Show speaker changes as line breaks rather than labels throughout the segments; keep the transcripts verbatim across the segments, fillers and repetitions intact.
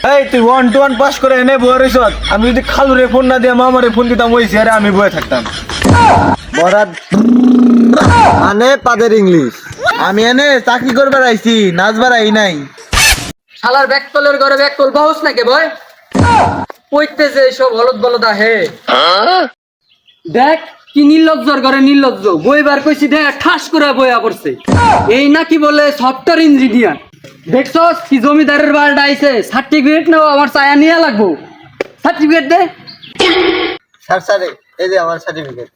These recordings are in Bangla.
এই তুই ওয়ান টু ওয়ান পাস করে এনে বয়ে রইছ। আমি যদি খালুরে ফোন না দিয়ে মামারে ফোন দিতাম ওই চেয়ারে আমি বয়ে থাকতাম।
বরাদ মানে পাদের ইংলিশ। আমি এনে চাকরি করবার আইছি, নাচবার আই নাই।
শালার ব্যাকতলের ঘরে ব্যাকতল বাহুস নাকি বয় কইতে যে সব হলদ বলদ আহে। দেখ কি নির্লজ্জর ঘরে নির্লজ্জ বইবার কইছি দেখ ঠাস করে বইয়া পড়ছে। এই নাকি বলে সফটওয়্যার ইঞ্জিনিয়ার। দেখছস কি জমিদারের বাড়িটা আইছে, সার্টিফিকেট নাও আমার চায়া নিয়ে লাগবো। সার্টিফিকেট দে।
স্যার স্যার এই যে আমার সার্টিফিকেট।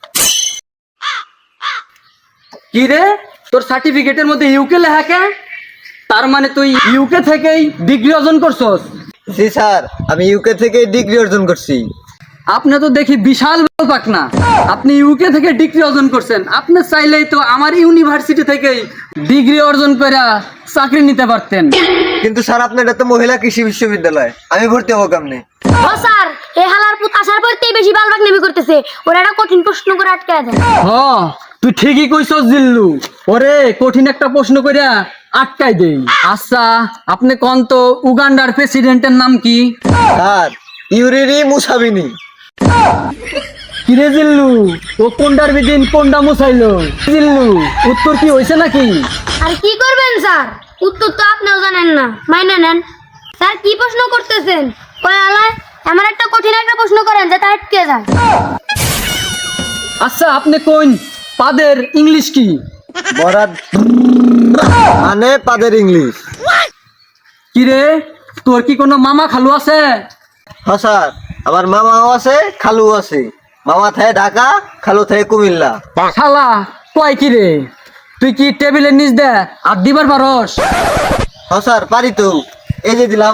কি রে তোর সার্টিফিকেটের মধ্যে ইউকে লেখা কে? তার মানে তুই ইউকে থেকেই ডিগ্রি অর্জন করছস?
জি স্যার, আমি ইউকে থেকে ডিগ্রি অর্জন করছি।
আপনি তো দেখি বিশাল পাক না, আপনি ইউকে থেকে ডিগ্রি অর্জন করছেন। আপনি চাইলেই তো আমার ইউনিভার্সিটি থেকেই ডিগ্রি অর্জন করে চাকরি নিতে পারতেন।
কিন্তু স্যার আপনার এটা তো মহিলা কৃষি বিশ্ববিদ্যালয়, আমি ভর্তি হবো কেমনে?
ও স্যার, এই হালার পুত আসার পরতেই বেশি বালবাক নেমি করতেছে। ওরা একটা কঠিন প্রশ্ন করে আটকায় দেয়।
হ তুই ঠিকই কইছস জিল্লু, ওরে কঠিন একটা প্রশ্ন কইরা আটকাই দেই। আচ্ছা আপনি কোন তো উগান্ডার প্রেসিডেন্টের নাম কি?
Sir Yoweri Museveni.
কিরে জিল্লু, ও কোনটার বিদিন কোনটা মুছাইলো? জিল্লু উত্তর কি হইছে নাকি?
আর কি করবেন স্যার, উত্তর তো আপনিও জানেন না, মাইনে নেন। স্যার কি প্রশ্ন করতেছেন? ওই আলায় আমার একটা কঠিন একটা প্রশ্ন করেন যাতে আটকে যায়।
আচ্ছা আপনি কোন পাদের ইংলিশ কি?
বরাদ মানে পাদের ইংলিশ।
কিরে তোর কি কোনো মামা খালু আছে?
হ্যাঁ স্যার, আমার মামাও আছে খালুও আছে। মামা থাকে ঢাকা, খালু থাকে কুমিল্লা।
শালা কয় কিরে, তুই কি টেবিলের নিচ দে আর দিবার পারস?
হ্যাঁ স্যার পারি তো, এই যে দিলাম।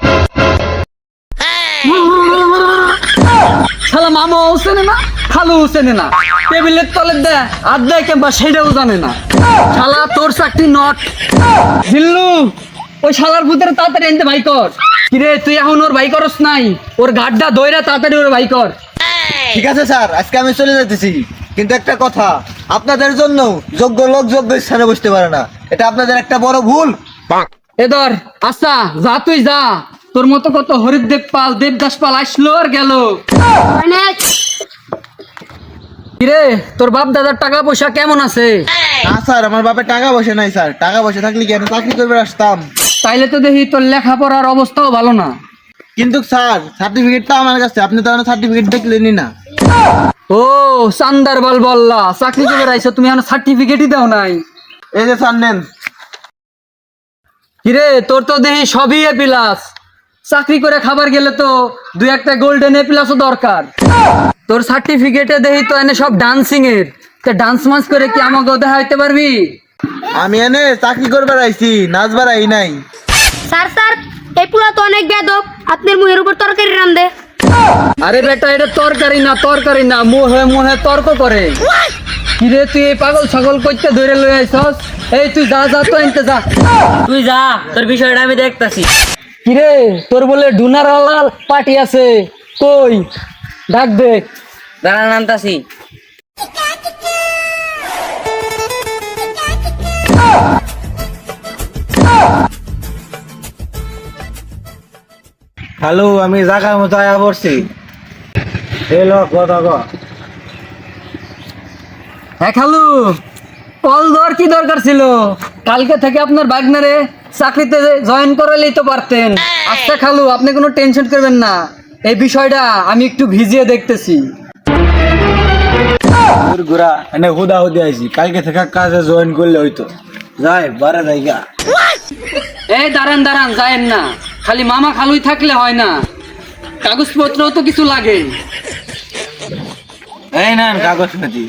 শালা মামা চেনে না খালু চেনে না, টেবিলের তলে দে আর দেয় কেমবা সেটাও জানে না। শালা তোর চাকরি নট। জিল্লু ওই শালার ভূতের তাড়াতাড়ি এনতে ভাই কর। কিরে তুই এখন ওর ভাই করস নাই, ওর গাড্ডা দইরা তাড়াতাড়ি ওর ভাই কর।
ঠিক আছে স্যার, আজকে আমি চলে যেতেছি। কিন্তু একটা কথা, আপনাদের জন্য যোগ্য লোক যোগ্য স্থানে বসতে পারে না, এটা আপনাদের একটা বড় ভুল।
এ ধর আচ্ছা যা তুই যা, তোর মতো কত হরিদেব পাল দেবদাস পাল আসলো আর গেল।
অনেক
কিরে তোর বাপ দাদার টাকা পয়সা কেমন আছে?
না স্যার, আমার বাপের টাকা পয়সা নাই স্যার। টাকা পয়সা থাকলে কি আমি চাকরি করবে আসতাম?
তাইলে তো দেখি তোর লেখাপড়ার অবস্থাও ভালো না।
কিন্তু স্যার সার্টিফিকেটটা আমার কাছে, আপনি তো আমার সার্টিফিকেট দেখলেনই না।
ও চান্দার বল বললা চাকরি করে আইছো, তুমি এখন সার্টিফিকেটই দাও নাই।
এই যে স্যার নেন।
কিরে তোর তো দেখি সবই এ প্লাস, চাকরি করে খাবার গেলে তো দুই একটা গোল্ডেন এ প্লাসও দরকার। তোর সার্টিফিকেটে দেখি তো এনে সব ডান্সিং এর, তা ডান্স মান্স করে কি আমাকে দেখাইতে পারবি?
আমি এনে চাকরি করবার আইছি, নাচবার আই নাই।
স্যার স্যার এই পুলা তো অনেক বেদব, আপনার মুখের উপর তরকারি রান্ধে।
আরে বেটা এটা তরকারি না তরকারি না, মুহে মুহে তর্ক করে। কিরে তুই এই পাগল ছাগল কইতে ধরে লই আইছস? এই তুই যা যা তো এনতে যা,
তুই যা, তোর বিষয়টা আমি দেখতাছি।
কিরে তোর বলে ডুনার লাল পার্টি আছে, কই ডাক দে।
দাঁড়ান আনতাছি।
হ্যালো, আমি জায়গার মতো আয়া পড়ছি। এলো কথা ক।
হ্যাঁ খালু, কল দেওয়ার কি দরকার ছিল? কালকে থেকে আপনার বাগনারে চাকরিতে জয়েন করালেই তো পারতেন। আচ্ছা খালু আপনি কোনো টেনশন করবেন না, এই বিষয়টা আমি একটু ভিজিয়ে দেখতেছি।
তোর ঘোরা এনে হুদা হুদি আইছি, কালকে থেকে কাজে জয়েন করলে হইতো। যাই বারে জায়গা।
এই দাঁড়ান দাঁড়ান যায়েন না, খালি মামা খালুই থাকলে হয় না, কাগজপত্রও তো কিছু লাগে।
এই নেন কাগজ পাতি।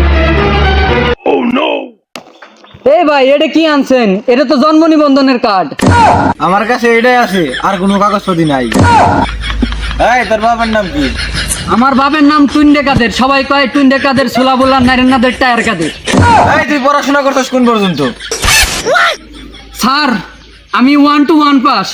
এই ভাই এটা কি আনছেন? এটা তো জন্ম নিবন্ধনের কার্ড।
আমার কাছে এটাই আছে, আর কোনো কাগজপত্র নাই। এই তোর বাবার নাম কি?
আমার বাবার নাম টুন্ডে কাদের, সবাই কয় টুন্ডে কাদের, ছোলা বোলা নারেন্নাদের টায়ার কাদের।
এই তুই পড়াশোনা করছিস কোন পর্যন্ত?
স্যার আমি ওয়ান টু ওয়ান পাস।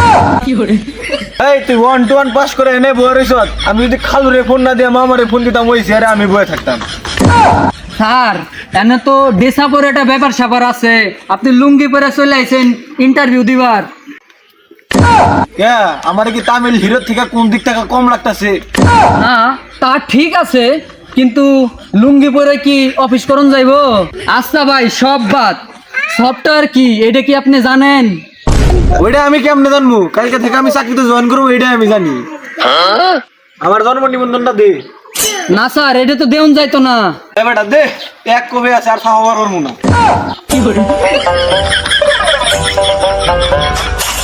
এই তুই ওয়ান টু ওয়ান পাস করে এনে বয়ে রইছ। আমি যদি খালুরে ফোন না দিয়ে মামারে ফোন দিতাম ওই চেয়ারে আমি বয়ে থাকতাম।
স্যার এনে তো ডেসা পরে একটা ব্যাপার স্যাপার আছে, আপনি লুঙ্গি পরে চলে আইছেন ইন্টারভিউ দিবার।
কে আমার কি তামিল হিরো থেকে কোন দিক থেকে কম লাগতাছে?
না তা ঠিক আছে, কিন্তু লুঙ্গি পরে কি অফিস করন যাইবো? আচ্ছা ভাই, সব বাদ, সফটওয়্যার কি এটা কি আপনি জানেন?
ওইটা আমি কেমনে জানবো? কালকে থেকে আমি চাকরিতে জয়েন করবো, এইটাই আমি জানি। আমার জন্ম নিবন্ধনটা দে।
না স্যার, এটা তো দেউন যাইতো না।
এ বেটা দে, এক কবে আছে আর খাওয়াবার পারবো না।